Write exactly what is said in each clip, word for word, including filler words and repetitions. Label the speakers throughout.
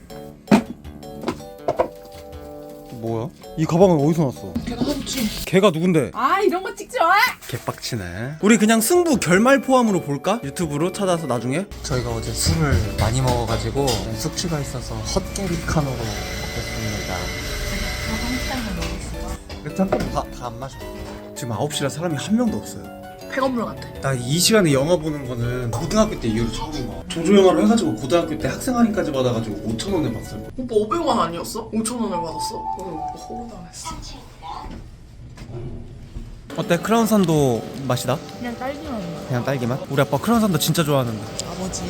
Speaker 1: 뭐야? 이 가방은 어디서 났어?
Speaker 2: 걔가 사줬지.
Speaker 1: 걔가 누군데?
Speaker 2: 아 이런 거 찍지 마.
Speaker 1: 개빡치네. 우리 그냥 승부 결말 포함으로 볼까? 유튜브로 찾아서 나중에?
Speaker 3: 저희가 어제 술을 많이 먹어가지고 숙취가 있어서 헛개리카노로 먹겠습니다.
Speaker 1: 그
Speaker 3: 다안 마셔.
Speaker 1: 지금 아홉 시라 사람이 한 명도 없어요.
Speaker 2: 폐건물 같아.
Speaker 1: 나 이 시간에 영화 보는 거는 고등학교 때 이후로 처음인 거. 조조영화로 해가지고 고등학교 때 학생 할인까지 받아가지고 오천 원에 봤어요.
Speaker 2: 오빠 오백 원 아니었어? 오천 원을 받았어? 어, 오빠 호러당했어.
Speaker 1: 어때? 크라운산도 맛이다?
Speaker 2: 그냥 딸기만 나.
Speaker 1: 그냥 딸기맛? 우리 아빠 크라운산도 진짜 좋아하는데.
Speaker 2: 아버지.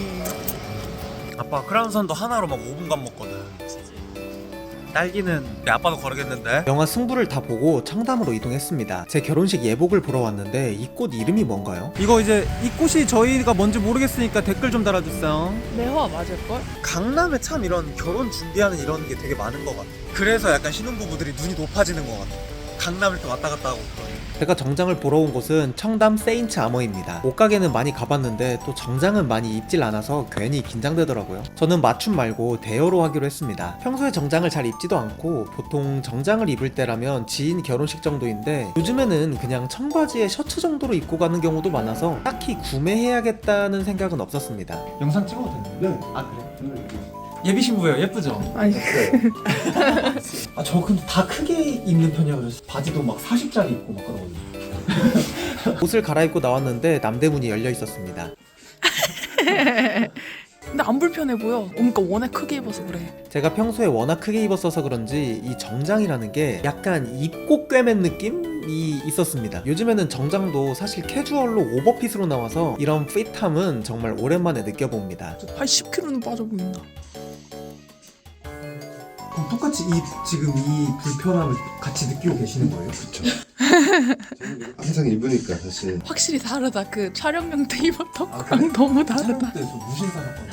Speaker 1: 아빠 크라운산도 하나로 막 오 분간 먹거든. 딸기는 내 아빠도 거르겠는데. 영화 승부를 다 보고 청담으로 이동했습니다. 제 결혼식 예복을 보러 왔는데 이 꽃 이름이 뭔가요? 이거 이제 이 꽃이 저희가 뭔지 모르겠으니까 댓글 좀 달아주세요.
Speaker 2: 매화 맞을걸?
Speaker 1: 강남에 참 이런 결혼 준비하는 이런 게 되게 많은 것 같아. 그래서 약간 신혼부부들이 눈이 높아지는 것 같아. 강남을 이렇게 왔다 갔다 하고 그러니. 제가 정장을 보러 온 곳은 청담 세인츠 아머입니다. 옷가게는 많이 가봤는데 또 정장은 많이 입질 않아서 괜히 긴장되더라고요. 저는 맞춤 말고 대여로 하기로 했습니다. 평소에 정장을 잘 입지도 않고 보통 정장을 입을 때라면 지인 결혼식 정도인데 요즘에는 그냥 청바지에 셔츠 정도로 입고 가는 경우도 많아서 딱히 구매해야겠다는 생각은 없었습니다. 영상 찍어도 되는데? 아 그래? 예비 신부예요. 예쁘죠?
Speaker 2: 아니.
Speaker 1: 아 저 근데 다 크게 입는 편이라 그래서 바지도 막 사십 짜리 입고 막 그러거든요. 옷을 갈아입고 나왔는데 남대문이 열려 있었습니다.
Speaker 2: 근데 안 불편해 보여. 그러니까 워낙 크게 입어서 그래.
Speaker 1: 제가 평소에 워낙 크게 입었어서 그런지 이 정장이라는 게 약간 입고 꿰맨 느낌이 있었습니다. 요즘에는 정장도 사실 캐주얼로 오버핏으로 나와서 이런 핏함은 정말 오랜만에 느껴봅니다.
Speaker 2: 한 십 킬로그램는 빠져 보인다.
Speaker 1: 그럼 똑같이 이 지금 이 불편함을 같이 느끼고 계시는 거예요?
Speaker 4: 그쵸. 항상 입으니까 사실
Speaker 2: 확실히 다르다. 그 촬영용 때 입었던
Speaker 1: 아,
Speaker 2: 거랑
Speaker 1: 그래?
Speaker 2: 너무 다르다.
Speaker 1: 때저 무신사였거든요.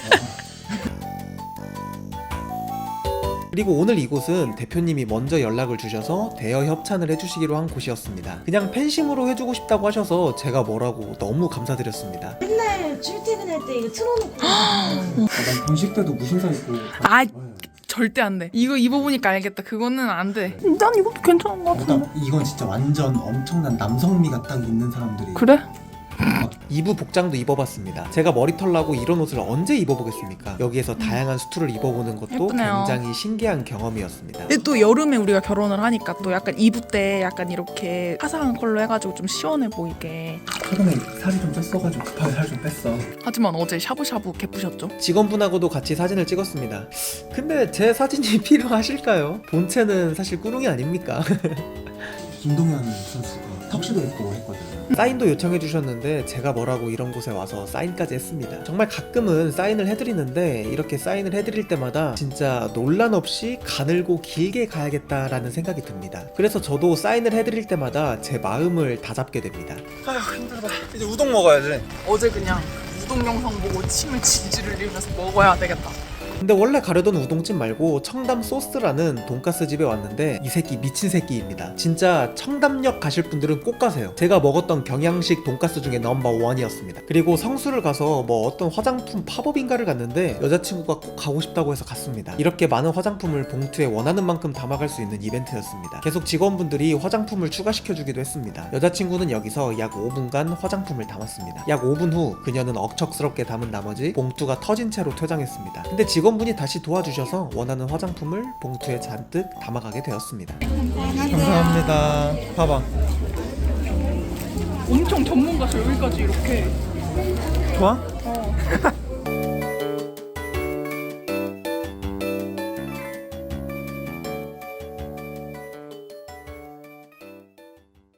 Speaker 1: 그리고 오늘 이곳은 대표님이 먼저 연락을 주셔서 대여 협찬을 해주시기로 한 곳이었습니다. 그냥 팬심으로 해주고 싶다고 하셔서 제가 뭐라고 너무 감사드렸습니다.
Speaker 5: 맨날 출퇴근할 때 이거 틀어놓고
Speaker 1: 난 본식 때도 무신사 입고
Speaker 2: 아 절대 안 돼. 이거 입어보니까 알겠다. 그거는 안 돼. 난 이것도 괜찮은 것 같은데.
Speaker 1: 이건 진짜 완전 엄청난 남성미가 딱 있는 사람들이
Speaker 2: 그래?
Speaker 1: 이 부 복장도 입어봤습니다. 제가 머리털 나고 이런 옷을 언제 입어보겠습니까? 여기에서 다양한 수트를 입어보는 것도
Speaker 2: 예쁘네요.
Speaker 1: 굉장히 신기한 경험이었습니다.
Speaker 2: 근데 또 여름에 우리가 결혼을 하니까 또 약간 이브 때 약간 이렇게 화사한 컬러 해가지고 좀 시원해 보이게.
Speaker 1: 최근에 살이 좀 쪘어가지고 급하게 살 좀 뺐어.
Speaker 2: 하지만 어제 샤브샤브 개푸셨죠?
Speaker 1: 직원분하고도 같이 사진을 찍었습니다. 근데 제 사진이 필요하실까요? 본체는 사실 꾸룽이 아닙니까? 김동현 선수가 턱시도 입고 했거든요. 사인도 요청해 주셨는데 제가 뭐라고 이런 곳에 와서 사인까지 했습니다. 정말 가끔은 사인을 해드리는데 이렇게 사인을 해드릴 때마다 진짜 논란 없이 가늘고 길게 가야겠다라는 생각이 듭니다. 그래서 저도 사인을 해드릴 때마다 제 마음을 다잡게 됩니다. 아휴 힘들다. 이제 우동 먹어야지.
Speaker 2: 어제 그냥 우동 영상 보고 침을 질질 흘리면서 먹어야 되겠다.
Speaker 1: 근데 원래 가려던 우동집 말고 청담 소스라는 돈가스 집에 왔는데 이 새끼 미친 새끼입니다. 진짜 청담역 가실 분들은 꼭 가세요. 제가 먹었던 경양식 돈가스 중에 넘버 원이었습니다. 그리고 성수를 가서 뭐 어떤 화장품 팝업인가를 갔는데 여자친구가 꼭 가고 싶다고 해서 갔습니다. 이렇게 많은 화장품을 봉투에 원하는 만큼 담아갈 수 있는 이벤트였습니다. 계속 직원분들이 화장품을 추가시켜주기도 했습니다. 여자친구는 여기서 약 오 분간 화장품을 담았습니다. 약 오 분 후 그녀는 억척스럽게 담은 나머지 봉투가 터진 채로 퇴장했습니다. 근데 직원분이 다시 도와주셔서 원하는 화장품을 봉투에 잔뜩 담아가게 되었습니다. 감사합니다. 봐봐.
Speaker 2: 엄청 전문가셔 여기까지 이렇게.
Speaker 1: 좋아?
Speaker 2: 어.